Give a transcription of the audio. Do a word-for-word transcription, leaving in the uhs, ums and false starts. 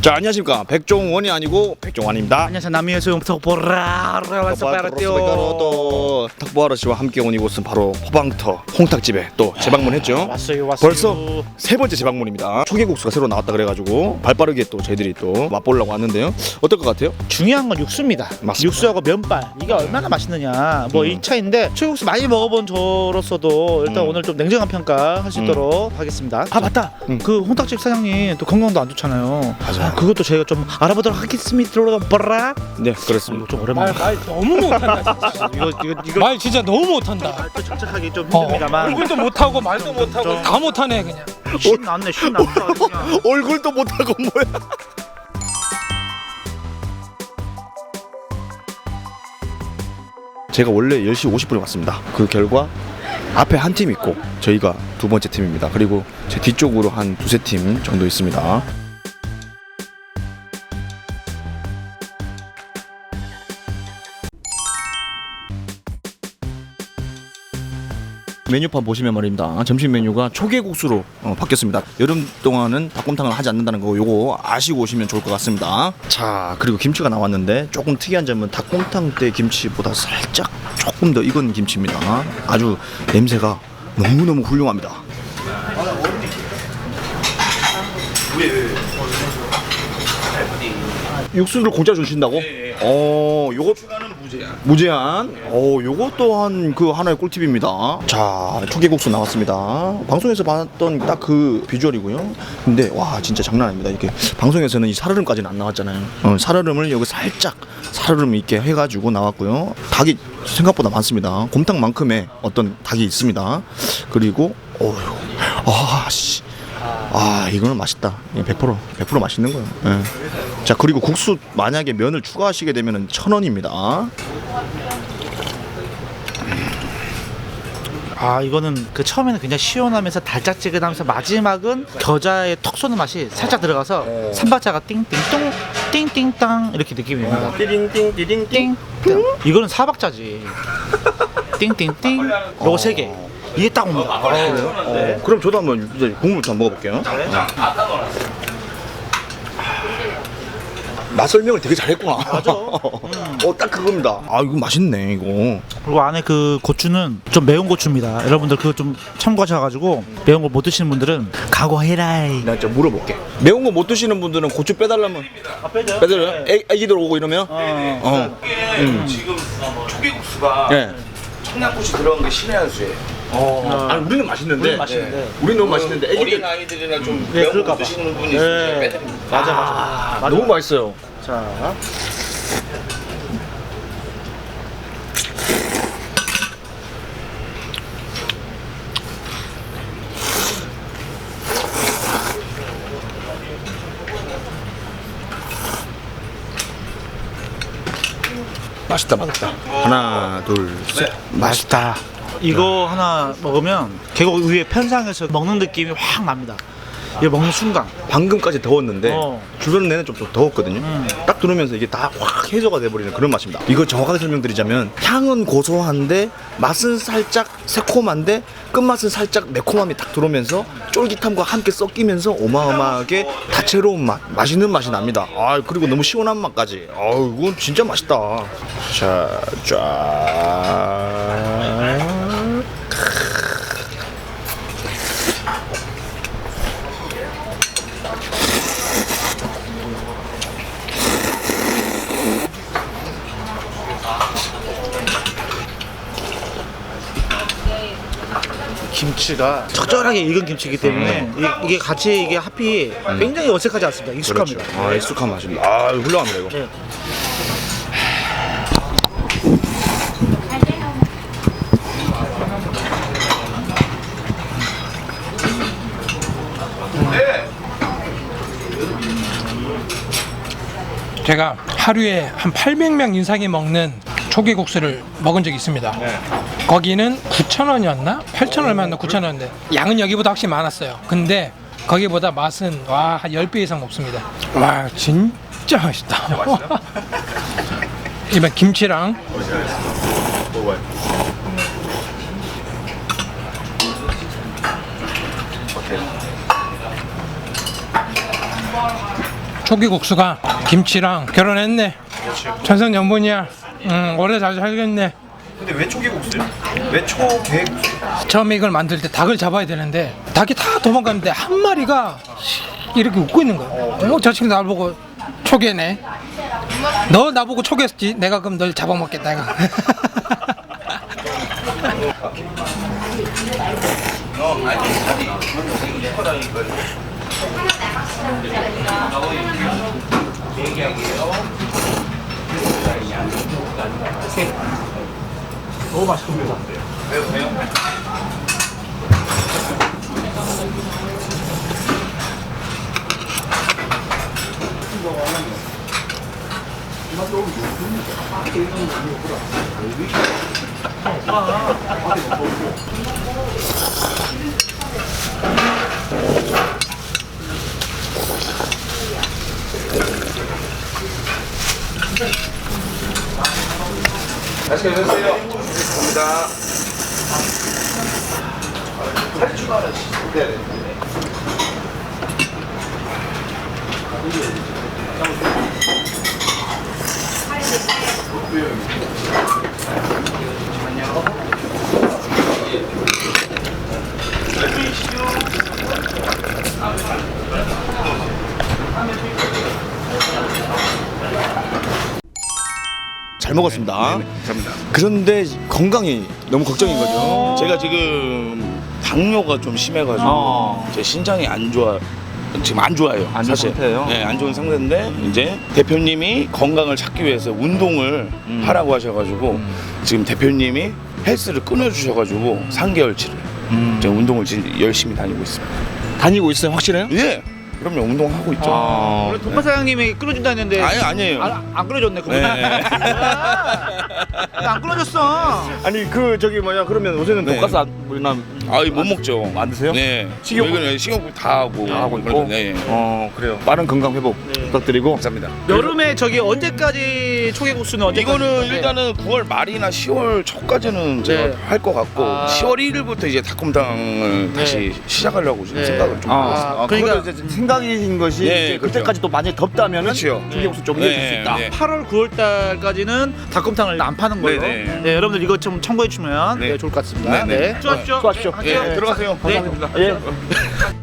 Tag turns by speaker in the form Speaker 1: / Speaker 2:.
Speaker 1: 자, 안녕하십니까. 백종원이 아니고 백종환입니다.
Speaker 2: 안녕하세요. 남이에서 탁보라
Speaker 1: 또 탁보아러 씨와 함께 온 이곳은 바로 호방터 홍탁집에 또 재방문했죠.
Speaker 2: 왔어요, 왔어요.
Speaker 1: 벌써 세 번째 재방문입니다. 초계국수가 새로 나왔다 그래가지고 발빠르게 또 저희들이 또 맛보려고 왔는데요. 어떨 것 같아요?
Speaker 2: 중요한 건 육수입니다.
Speaker 1: 맞습니다.
Speaker 2: 육수하고 면발 이게 얼마나 맛있느냐 뭐
Speaker 1: 음.
Speaker 2: 이 차인데 초계국수 많이 먹어본 저로서도 일단
Speaker 1: 음.
Speaker 2: 오늘 좀 냉정한 평가 할 수 있도록 하겠습니다. 아 맞다.
Speaker 1: 음.
Speaker 2: 그 홍탁집 사장님 또 건강도 안 좋잖아요.
Speaker 1: 맞아요.
Speaker 2: 그것도 저희가 좀 알아보도록 하겠습니다. 보라.
Speaker 1: 네, 그렇습니다.
Speaker 2: 좀 오랜만에.
Speaker 3: 말, 말 너무 못한다 진짜.
Speaker 2: 이거 이거 이거
Speaker 3: 말 진짜 너무 못한다.
Speaker 2: 또 정착하기 좀
Speaker 3: 어,
Speaker 2: 힘듭니다만.
Speaker 3: 얼굴도 못하고 말도
Speaker 2: 좀,
Speaker 3: 못하고
Speaker 2: 좀.
Speaker 3: 다 못하네 그냥.
Speaker 2: 신 났네, 신 났다. 그냥.
Speaker 1: 얼굴도 못하고 뭐야? 제가 원래 열 시 오십 분에 왔습니다. 그 결과 앞에 한 팀 있고 저희가 두 번째 팀입니다. 그리고 제 뒤쪽으로 한 두세 팀 정도 있습니다. 메뉴판 보시면 말입니다. 점심 메뉴가 초계국수로 어, 바뀌었습니다. 여름 동안은 닭곰탕을 하지 않는다는 거 요거 아시고 오시면 좋을 것 같습니다. 자, 그리고 김치가 나왔는데 조금 특이한 점은 닭곰탕 때 김치보다 살짝 조금 더 익은 김치입니다. 아주 냄새가 너무너무 훌륭합니다. 육수를 공짜 주신다고? 어, 요거 무제한. 무제한. 어, 요거 또한 그 하나의 꿀팁입니다. 자, 초계국수 나왔습니다. 방송에서 봤던 딱 그 비주얼이고요. 근데 와, 진짜 장난 아닙니다. 이렇게 방송에서는 이 살얼음까지는 안 나왔잖아요. 어, 살얼음을 여기 살짝 살얼음 있게 해가지고 나왔고요. 닭이 생각보다 많습니다. 곰탕만큼의 어떤 닭이 있습니다. 그리고 어휴, 아, 씨. 아, 이거는 맛있다. 백 퍼센트 백 퍼센트 맛있는 거예요. 예. 자, 그리고 국수 만약에 면을 추가하시게 되면은 천 원입니다.
Speaker 2: 아 이거는 그 처음에는 그냥 시원하면서 달짝지근하면서 마지막은 겨자의 턱 쏘는 맛이 살짝 들어가서 삼박자가 띵띵똥 띵띵땅 이렇게 느낌이 옵니다.
Speaker 1: 띠링띵 띠링띵.
Speaker 2: 띵 이거는 사박자지. 띵띵띵 요거 세 개. 이게 딱 옵니다.
Speaker 1: 어, 그럼 저도 한번 이제 국물부터 한번 먹어볼게요. 맛 설명을 되게 잘했구나.
Speaker 2: 맞아.
Speaker 1: 어, 딱 그겁니다. 아, 이거 맛있네, 이거.
Speaker 2: 그리고 안에 그 고추는 좀 매운 고추입니다. 여러분들 그거 좀 참고하셔가지고 매운 거 못 드시는 분들은 각오해라이.
Speaker 1: 나 진짜 물어볼게. 매운 거 못 드시는 분들은 고추 빼달라면
Speaker 2: 아 빼죠.
Speaker 1: 빼달래요? 애, 애기들 오고 이러면?
Speaker 2: 어.
Speaker 1: 어. 음.
Speaker 4: 지금 초계국수가
Speaker 1: 예.
Speaker 4: 청양고추 들어간 게 신의 한 수예요.
Speaker 1: 어. 아니, 우리는 맛있는데.
Speaker 2: 우리는 맛있는데.
Speaker 1: 우리 너무 맛있는데 애기들
Speaker 4: 어린 아이들이나 좀
Speaker 2: 네,
Speaker 4: 매운
Speaker 2: 그럴까
Speaker 4: 거
Speaker 2: 봐.
Speaker 4: 드시는 분이
Speaker 2: 네.
Speaker 4: 있으면 빼드립니다.
Speaker 2: 맞아 맞아. 맞아.
Speaker 1: 너무 맛있어요.
Speaker 2: 자.
Speaker 1: 맛있다, 맛있다. 하나, 둘, 셋.
Speaker 2: 맛있다. 이거 하나 먹으면 계곡 위에 편상에서 먹는 느낌이 확 납니다. 이거 먹는 순간.
Speaker 1: 방금까지 더웠는데
Speaker 2: 어.
Speaker 1: 주변 내내 좀, 좀 더웠거든요.
Speaker 2: 음.
Speaker 1: 딱 들으면서 이게 다 확 해소가 돼버리는 그런 맛입니다. 이거 정확하게 설명드리자면 향은 고소한데 맛은 살짝 새콤한데 끝맛은 살짝 매콤함이 딱 들어오면서 쫄깃함과 함께 섞이면서 어마어마하게 다채로운 맛, 맛있는 맛이 납니다. 아, 그리고 너무 시원한 맛까지. 아우, 이건 진짜 맛있다. 자, 쫙.
Speaker 2: 김치가 적절하게 익은 김치이기 때문에 이, 이게 같이 이게 합이 굉장히 어색하지 않습니다. 익숙합니다.
Speaker 1: 그렇죠. 아, 익숙한 맛입니다. 아, 훌륭합니다, 이거.
Speaker 2: 네.
Speaker 3: 제가 하루에 한 팔백 명 이상이 먹는 초계국수를 먹은 적이 있습니다. 거기는 구천 원이었나? 팔천 얼마였나? 구천 원인데 양은 여기보다 확실히 많았어요. 근데 거기보다 맛은 와, 한 십 배 이상 높습니다. 와, 진짜 맛있다. 이번 김치랑 초계국수가 김치랑 결혼했네. 천생연분이야. 음, 오래 잘 살겠네.
Speaker 1: 근데 왜 초계국수요? 왜 초계국수?
Speaker 3: 처음에 이걸 만들 때 닭을 잡아야 되는데 닭이 다 도망가는데 한 마리가 이렇게 웃고 있는 거야. 어, 저 친구 나를 보고 초계네. 너 나보고 초계했지. 내가 그럼 널 잡아먹겠다. 내가.
Speaker 2: 너무 맛있습니다.
Speaker 4: 맛있게 드세요. 감사합니다. 살이 추가하는 네.
Speaker 1: 잘 먹었습니다.
Speaker 4: 네, 감사합니다.
Speaker 1: 그런데 건강이 너무 걱정인 거죠.
Speaker 4: 제가 지금 당뇨가 좀 심해가지고
Speaker 1: 어.
Speaker 4: 제 신장이 안 좋아. 지금 안 좋아요.
Speaker 1: 안 좋은
Speaker 4: 사실.
Speaker 1: 상태예요?
Speaker 4: 네, 안 좋은 상태인데 이제 대표님이 건강을 찾기 위해서 운동을
Speaker 1: 음.
Speaker 4: 하라고 하셔가지고
Speaker 1: 음.
Speaker 4: 지금 대표님이 헬스를 끊어주셔가지고 삼 개월치를
Speaker 1: 음.
Speaker 4: 제가 운동을 지금 열심히 다니고 있습니다.
Speaker 1: 다니고 있어요? 확실해요?
Speaker 4: 예, 그럼요. 운동하고 있죠.
Speaker 1: 아.
Speaker 2: 원래 돈파 사장님이 끌어준다 했는데
Speaker 4: 아니 아니에요.
Speaker 2: 아, 안 끌어줬네 그분.
Speaker 4: 네.
Speaker 2: 안 끌어줬어.
Speaker 1: 아니 그 저기 뭐냐 그러면 요새는
Speaker 4: 네.
Speaker 1: 돈가스 안 우리나
Speaker 4: 아이 못 먹죠.
Speaker 1: 안 드세요?
Speaker 4: 네.
Speaker 1: 식욕-
Speaker 4: 식욕 식욕 다 하고
Speaker 1: 다 하고 있고.
Speaker 4: 네.
Speaker 1: 어 그래요. 빠른 건강 회복 부탁드리고.
Speaker 4: 감사합니다.
Speaker 2: 여름에 저기 언제까지 초계국수는 언제까지?
Speaker 4: 이거는
Speaker 2: 네.
Speaker 4: 일단은 구월 말이나 시월 초까지는 제가
Speaker 2: 네.
Speaker 4: 할 것 같고
Speaker 2: 아.
Speaker 4: 시월 일 일부터 이제 닭곰탕을
Speaker 2: 네.
Speaker 4: 다시 시작하려고 지금
Speaker 2: 네.
Speaker 4: 생각을 좀 하고 있습니다.
Speaker 1: 아,
Speaker 2: 그러니까-
Speaker 1: 그러니까 이제 생각이신 것이
Speaker 4: 네,
Speaker 1: 이제
Speaker 4: 그렇죠.
Speaker 1: 그때까지 또 많이 덥다면은
Speaker 4: 그렇죠.
Speaker 1: 초계국수 좀
Speaker 4: 네.
Speaker 1: 이어질 수 있다.
Speaker 4: 네.
Speaker 2: 팔월, 구월 달까지는 닭곰탕을 안 파는 걸로.
Speaker 4: 네네.
Speaker 2: 네, 여러분들 이거 좀 참고해 주면
Speaker 4: 네.
Speaker 2: 네, 좋을 것 같습니다.
Speaker 4: 네네.
Speaker 2: 네. 수고하십시오.
Speaker 1: 수고하십시오.
Speaker 2: 네,
Speaker 4: 예, 들어가세요.
Speaker 2: 네.
Speaker 4: 감사합니다.
Speaker 1: 예.